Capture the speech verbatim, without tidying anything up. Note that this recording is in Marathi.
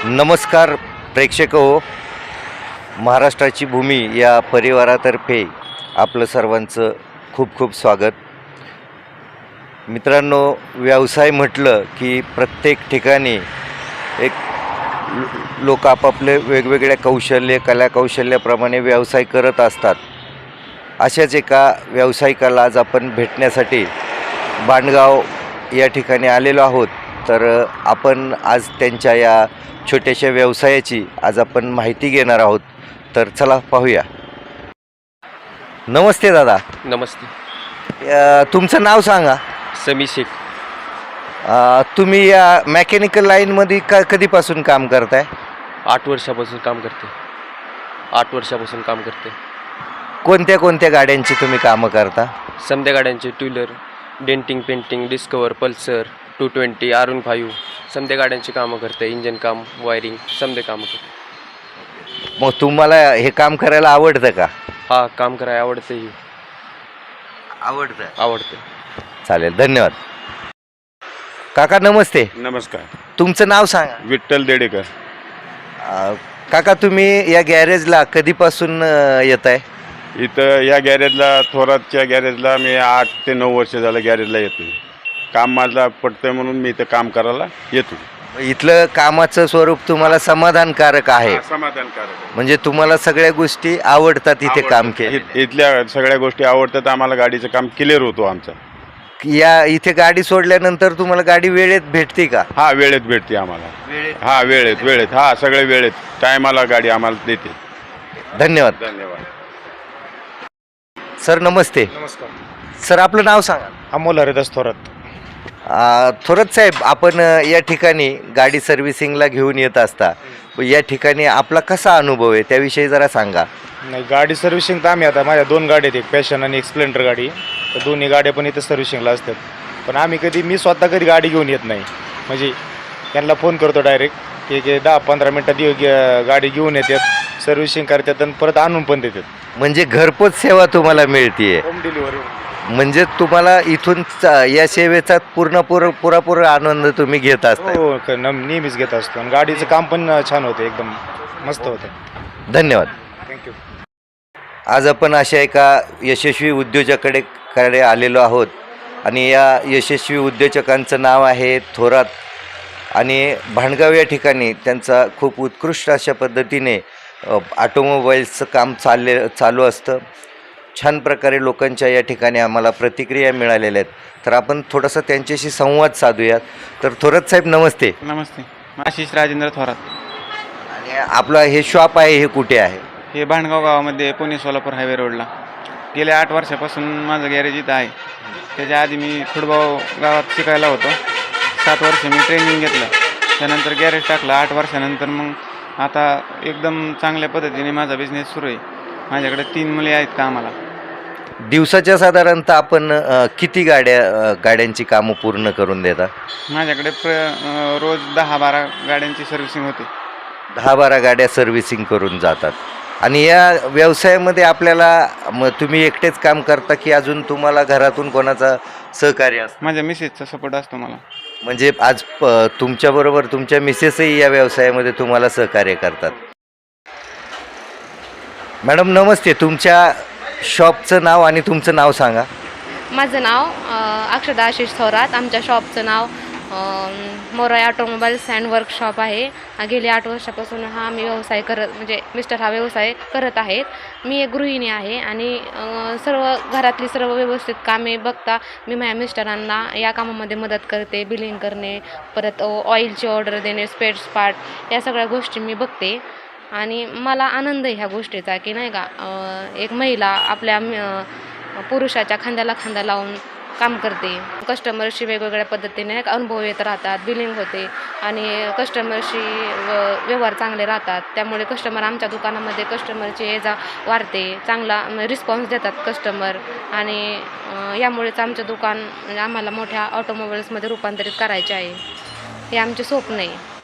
नमस्कार प्रेक्षक हो, महाराष्ट्राची भूमी या परिवारातर्फे आपलं सर्वांचं खूप खूप स्वागत. मित्रांनो, व्यवसाय म्हटलं की प्रत्येक ठिकाणी एक लोक आपापले वेगवेगळ्या कौशल्य कला कौशल्याप्रमाणे व्यवसाय करत असतात. अशाच एका व्यावसायिकाला आज आपण भेटण्यासाठी बांडगाव या ठिकाणी आलेलो आहोत. तर आपण आज त्यांच्या या छोट्याशा व्यवसायाची आज आपण माहिती घेणार आहोत. तर चला पाहूया. नमस्ते दादा. नमस्ते. अ, तुमचं नाव सांगा. समी शेख. अ, तुम्ही या मेकॅनिकल लाईनमध्ये का कधीपासून काम करताय? आठ वर्षापासून काम करते. आठ वर्षापासून काम करते. कोणत्या कोणत्या गाड्यांची तुम्ही कामं करता? समध्या गाड्यांचे two wheeler, denting, painting, Discover, Pulsar, two twenty, R one five समध्या गाड्यांची कामं करते. इंजन काम, वायरिंग समध्या कामं करते. मग तुम्हाला हे काम करायला आवडतं का? हा, काम करायला आवडते. आवडतं. आवडते. चालेल, धन्यवाद. काका नमस्ते. नमस्कार. तुमचं नाव सांगा. विठ्ठल देडेकर. अ, काका तुम्ही या गॅरेजला कधीपासून अ, येत आहे? इथं या गॅरेजला, थोरातच्या गॅरेजला मी आठ ते नऊ वर्ष झालं गॅरेजला येतो. काम माझं पडतंय म्हणून मी इथं काम करायला येतो. इथलं कामाचं स्वरूप तुम्हाला समाधानकारक आहे? समाधानकारक. म्हणजे तुम्हाला सगळ्या गोष्टी आवडतात इथे काम केले? इथल्या सगळ्या गोष्टी आवडतात आम्हाला. गाडीचं काम क्लिअर होतो आमचं. या इथे गाडी सोडल्यानंतर तुम्हाला गाडी वेळेत भेटते का? हा, वेळेत भेटते आम्हाला. वेळेत. हा, वेळेत वेळेत हा सगळे वेळेत टायमाला गाडी आम्हाला देते. धन्यवाद. धन्यवाद. सर नमस्ते. नमस्कार. सर आपलं नाव सांगा. अमोल हरिदास थोरात. अ, थोरात साहेब, आपण अ, या ठिकाणी गाडी सर्व्हिसिंगला घेऊन येत असता. या ठिकाणी आपला कसा अनुभव आहे त्याविषयी जरा सांगा. नाही, गाडी सर्व्हिसिंग तर आम्ही आता माझ्या दोन गाड्या आहेत, एक पॅशन आणि एक स्प्लेंडर गाडी. तर दोन्ही गाड्या पण इथं सर्व्हिसिंगला असतात. पण आम्ही कधी मी स्वतः कधी गाडी घेऊन येत नाही. म्हणजे त्यांना फोन करतो डायरेक्ट की की दहा पंधरा मिनटात येऊ गे- गाडी घेऊन येतात, सर्व्हिसिंग करतात आणि परत आणून पण देतात. म्हणजे घरपोच सेवा तुम्हाला मिळतीये. Home delivery. म्हणजे तुम्हाला इथून चा- या सेवेचा पूर्ण पुर पुरापूर आनंद तुम्ही घेत असता. हो, क- न- नेहमीच घेत असतो. आणि गाडीचं काम पण छान होतं, एकदम मस्त होतं. धन्यवाद. थँक्यू. आज आपण अशा एका यशस्वी उद्योजकाकडे कडे आलेलो आहोत आणि या यशस्वी उद्योजकांचं नाव आहे थोरात. आणि भांडगाव या ठिकाणी त्यांचा खूप उत्कृष्ट अशा पद्धतीने अ, ऑटोमोबाईल्सचं काम चालले चालू असतं. छान प्रकारे लोकांच्या या ठिकाणी आम्हाला प्रतिक्रिया मिळालेल्या आहेत. तर आपण थोडासा त्यांच्याशी संवाद साधूयात. तर थोरात साहेब नमस्ते. नमस्ते. आशिष राजेंद्र थोरात. आणि आपलं हे शॉप आहे हे कुठे आहे? हे भांडगाव गावामध्ये पुणे सोलापूर हायवे रोडला. गेल्या आठ वर्षापासून माझं गॅरेज इथं आहे. त्याच्या आधी मी खुडगाव गावात शिकायला होतो. सात वर्ष मी ट्रेनिंग घेतलं. त्यानंतर गॅरेज टाकलं. आठ वर्षानंतर मग आता एकदम चांगल्या पद्धतीने माझा बिझनेस सुरू आहे. माझ्याकडे तीन मुले आहेत कामाला. दिवसाच्या साधारणतः आपण अ, किती गाड्या अ, गाड्यांची कामं पूर्ण करून देता? माझ्याकडे प्र अं, रोज दहा बारा गाड्यांची सर्व्हिसिंग होते. दहा बारा गाड्या सर्व्हिसिंग करून जातात. आणि या व्यवसायामध्ये आपल्याला मग तुम्ही एकटेच काम करता की अजून तुम्हाला घरातून कोणाचा सहकार्य असतं? माझ्या मिसेसचा सपोर्ट असतो मला. म्हणजे आज प तुमच्याबरोबर तुमच्या मिसेसही या व्यवसायामध्ये तुम्हाला सहकार्य करतात. मॅडम नमस्ते. तुमच्या शॉपचं नाव आणि तुमचं नाव सांगा. माझं नाव अ, अक्षदा आशिष थोरात. आमच्या शॉपचं नाव अ, मोराय ऑटोमोबाईल्स अँड वर्कशॉप आहे. अ, गेली आठ वर्षापासून हा मी व्यवसाय करत म्हणजे मिस्टर हा व्यवसाय करत आहेत. मी एक गृहिणी आहे आणि अ, सर्व घरातली सर्व व्यवस्थित कामे बघता मी माझ्या मिस्टरांना या कामामध्ये मदत करते. बिलिंग करणे, परत ऑइलची ऑर्डर देणे, स्पेअर्स पार्ट या सगळ्या गोष्टी मी बघते. आणि मला आनंद आहे ह्या गोष्टीचा की नाही का, अ, एक महिला आपल्या अ, पुरुषाच्या खांद्याला खांदा लावून काम करते. कस्टमरशी वेगवेगळ्या पद्धतीने एक अनुभव येत राहतात, बिलिंग होते आणि कस्टमरशी व व्यवहार चांगले राहतात. त्यामुळे कस्टमर आमच्या दुकानामध्ये कस्टमरची ये जा वाढते, चांगला रिस्पॉन्स देतात कस्टमर. आणि अ, यामुळेच आमचं दुकान म्हणजे आम्हाला मोठ्या ऑटोमोबाईल्समध्ये रूपांतरित करायचे आहे. हे आमचे स्वप्न आहे.